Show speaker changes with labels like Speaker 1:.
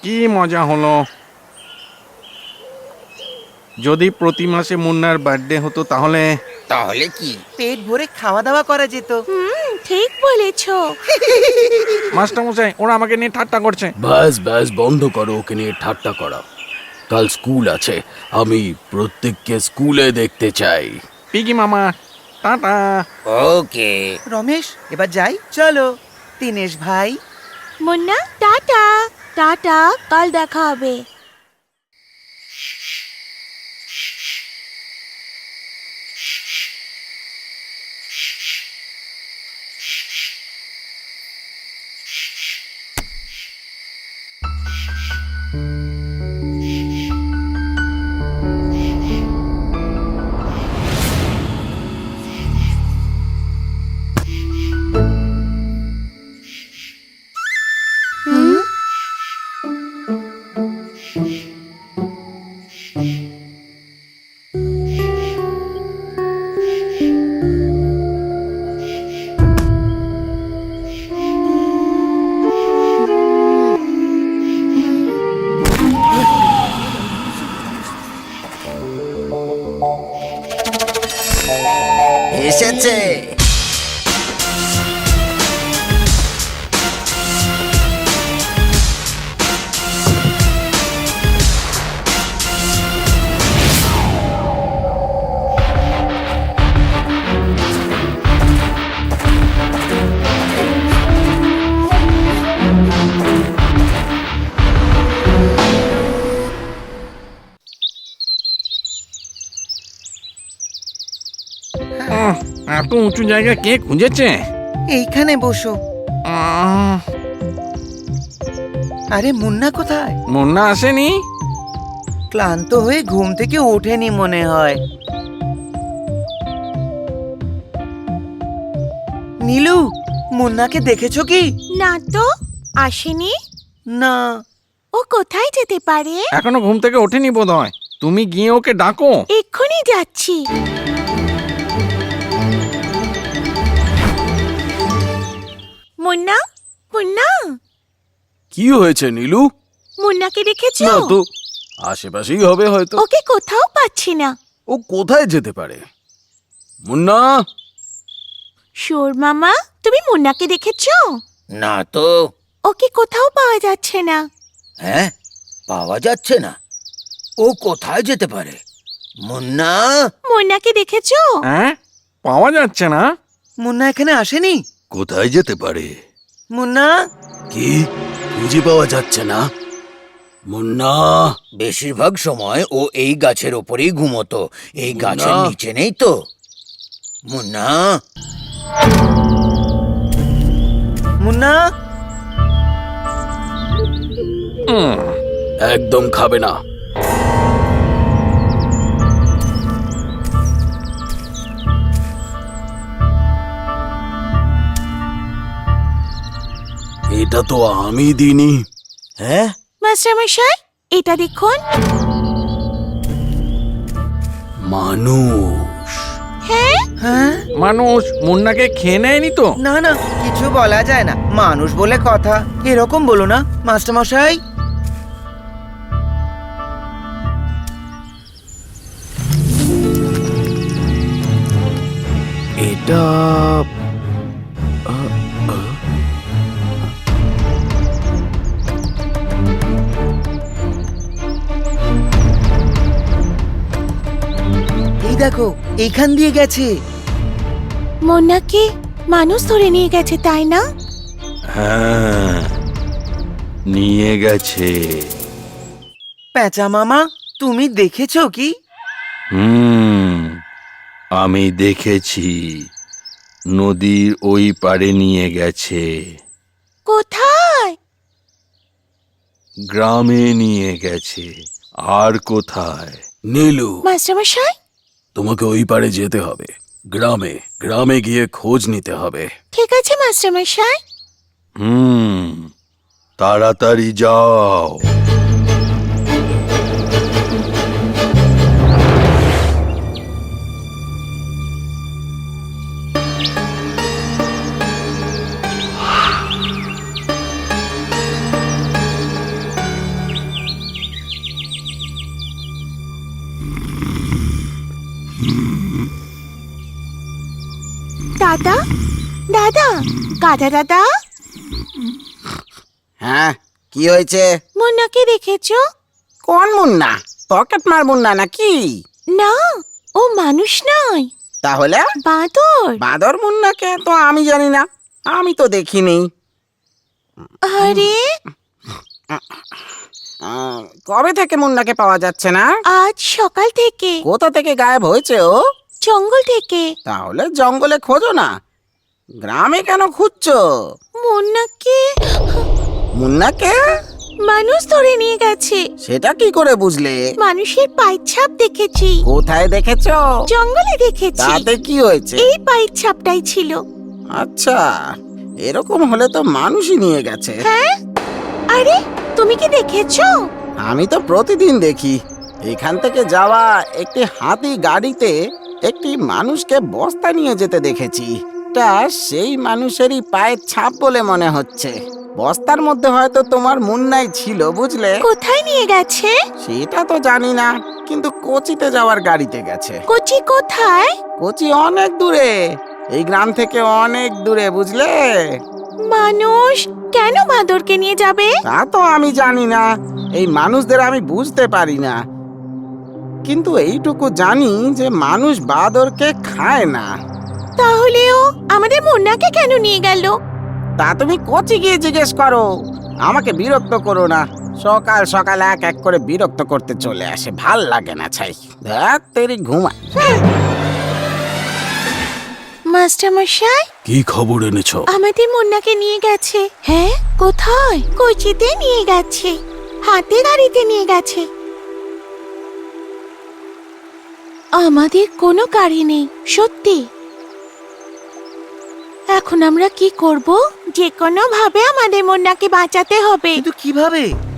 Speaker 1: কি মজা হলো। যদি প্রতি মাসে মুন্নার বার্থডে হতো তাহলে
Speaker 2: তাহলে কি?
Speaker 3: পেট ভরে খাওয়া দাওয়া করা যেত।
Speaker 4: ঠিক বলেছো।
Speaker 1: মাস্টারমশাই ওরা আমাকে নিয়ে ঠাট্টা করছে।
Speaker 5: ব্যাস ব্যাস বন্ধ করো ওকে নিয়ে ঠাট্টা করা। কাল স্কুল আছে, আমি প্রত্যেককে স্কুলে দেখতে চাই।
Speaker 1: পিগি মামা টাটা।
Speaker 2: ওকে।
Speaker 3: রমেশ এবার যাই চলো। দীনেশ ভাই
Speaker 4: মুন্না টাটা। টাটা, কাল দেখা হবে।
Speaker 2: এসেছে।
Speaker 1: এত উঁচু জায়গা কে খুঁজেছে?
Speaker 3: এইখানে বসো। আরে মুন্না কোথায়?
Speaker 1: মুন্না আসেনি?
Speaker 3: ক্লান্ত হয়ে ঘুম থেকে ওঠেনি মনে হয়। নীলু, মুন্নাকে দেখেছো কি?
Speaker 4: না তো, আসেনি।
Speaker 3: না।
Speaker 4: ও কোথায় যেতে পারে?
Speaker 1: এখনো ঘুম থেকে ওঠেনি বোধহয়। তুমি গিয়ে ওকে ডাকো।
Speaker 4: এক্ষুনি যাচ্ছি। মুন্না, মুন্না,
Speaker 5: কি হয়েছে নীলু?
Speaker 4: মুন্নাকে দেখেছো?
Speaker 5: না তো, আশেপাশেই হবে হয়তো।
Speaker 4: ওকে কোথাও পাচ্ছি না।
Speaker 5: ও কোথায় যেতে পারে? মুন্না,
Speaker 4: শোর মামা, তুমি মুন্নাকে দেখেছো?
Speaker 2: না তো।
Speaker 4: ওকে কোথাও পাওয়া যাচ্ছে না।
Speaker 2: হ্যাঁ, পাওয়া যাচ্ছে না। ও কোথায় যেতে পারে? মুন্না।
Speaker 4: মুন্নাকে দেখেছো?
Speaker 1: হ্যাঁ, পাওয়া যাচ্ছে না।
Speaker 3: মুন্না এখানে আসেনি?
Speaker 5: কোথায় যেতে পারে?
Speaker 3: মুন্না,
Speaker 5: কি খুঁজে পাওয়া যাচ্ছে না? মুন্না,
Speaker 2: বেশিরভাগ সময় ও এই গাছের ওপরেই ঘুমোতো। এই গাছের
Speaker 5: মুন্না।
Speaker 2: নিচে নেই তো। মুন্না।
Speaker 3: মুন্না,
Speaker 5: একদম খাবে না। এটা তো আমি দিইনি।
Speaker 2: হ্যাঁ,
Speaker 4: মাস্টারমশাই, এটা দেখুন।
Speaker 5: মানুষ।
Speaker 4: হ্যাঁ,
Speaker 3: হ্যাঁ?
Speaker 1: মানুষ মুন্নাকে খেয়ে নেয়নি তো?
Speaker 3: না না, কিছু বলা যায় না। মানুষ বলে কথা। এরকম বলো না মাস্টারমশাই।
Speaker 5: এটা
Speaker 3: এই দেখো, এইখান দিয়ে গেছে।
Speaker 4: মুন্নাকে মানুষ ধরে নিয়ে গেছে, তাই না?
Speaker 5: হ্যাঁ, নিয়ে গেছে।
Speaker 3: প্যাঁচা মামা, তুমি দেখেছো কি?
Speaker 5: আমি দেখেছি, নদীর ওই পারে নিয়ে গেছে।
Speaker 4: কোথায়?
Speaker 5: গ্রামে নিয়ে গেছে। আর কোথায়? নীলু,
Speaker 4: মাস্টারমশাই,
Speaker 5: তোমাকে ওই পারে যেতে হবে। গ্রামে গ্রামে গিয়ে খোঁজ নিতে হবে।
Speaker 4: ঠিক আছে মাস্টারমশাই।
Speaker 5: তাড়াতাড়ি যাও।
Speaker 4: দাদা দাদা গাধা দাদা,
Speaker 6: হ্যাঁ, কি হয়েছে?
Speaker 4: মুন্নাকে দেখেছো?
Speaker 6: কোন মুন্না? পকেট মার মুন্না নাকি?
Speaker 4: না, ও মানুষ নয়,
Speaker 6: তাহলে
Speaker 4: বাঁদর।
Speaker 6: বাঁদর মুন্নাকে তো আমি জানি না, আমি তো দেখিনি।
Speaker 4: আরে
Speaker 6: কবে থেকে মুন্নাকে পাওয়া যাচ্ছে না?
Speaker 4: আজ সকাল থেকে,
Speaker 6: কোথা থেকে গায়েব হয়েছে ও?
Speaker 4: জঙ্গল থেকে।
Speaker 6: তাহলে জঙ্গলে খোঁজো না, গ্রামে কেন খুঁজছো?
Speaker 4: মুন্নাকে
Speaker 6: মুন্নাকে
Speaker 4: মানুষ ধরে নিয়ে গেছে।
Speaker 6: সেটা কি করে বুঝলে?
Speaker 4: মানুষের পায়ের ছাপ দেখেছি,
Speaker 6: কোথায় দেখেছো?
Speaker 4: জঙ্গলে দেখেছি।
Speaker 6: তাতে কি হয়েছে?
Speaker 4: এই পায়ের ছাপটাই ছিল।
Speaker 6: আচ্ছা, এরকম হলে তো মানুষই নিয়ে গেছে।
Speaker 4: হ্যাঁ, আরে তুমি কি দেখেছো?
Speaker 6: আমি তো প্রতিদিন দেখি, এখান থেকে যাওয়া একটি হাতি গাড়িতে একটি মানুষকে বস্তা নিয়ে যেতে দেখেছি। তা সেই মানুষেরই পায়ের ছাপ বলে মনে হচ্ছে। বস্তার মধ্যে হয়তো তোমার মুন্নাই ছিল, বুঝলে?
Speaker 4: কোথায় নিয়ে গেছে?
Speaker 6: সেটা তো জানি না, কিন্তু কোচিতে যাওয়ার গাড়িতে গেছে।
Speaker 4: কোচি কোথায়?
Speaker 6: কোচি অনেক দূরে, এই গ্রাম থেকে অনেক দূরে, বুঝলে?
Speaker 4: মানুষ কেন বাঁদরকে নিয়ে যাবে?
Speaker 6: তা তো আমি জানি না, এই মানুষদের আমি বুঝতে পারি না, কিন্তু এইটুকু জানি যে মানুষ বাঁদরকে খায় না।
Speaker 4: তাহলেও আমাদের মুন্নাকে কেন নিয়ে গেল?
Speaker 6: তা তুমি কোচি গিয়ে জিজ্ঞেস করো, আমাকে বিরক্ত করো না। সকাল সকাল এক এক করে বিরক্ত করতে চলে আসে, ভাল লাগে না। ছাই ধ্যাৎ তেরি, ঘুমা।
Speaker 4: মাস্টার মশাই,
Speaker 5: কি খবর এনেছো?
Speaker 4: আমাদের মুন্নাকে নিয়ে গেছে। হ্যাঁ, কোথায়? কোচিতে নিয়ে গেছে, হাতে গাড়িতে নিয়ে গেছে। আমাদের কোনো গাড়ি নেই, সত্যি। এখন আমরা কি করব? যে কোনো ভাবে আমাদের মুন্নাকে বাঁচাতে হবে।
Speaker 3: কিন্তু কিভাবে?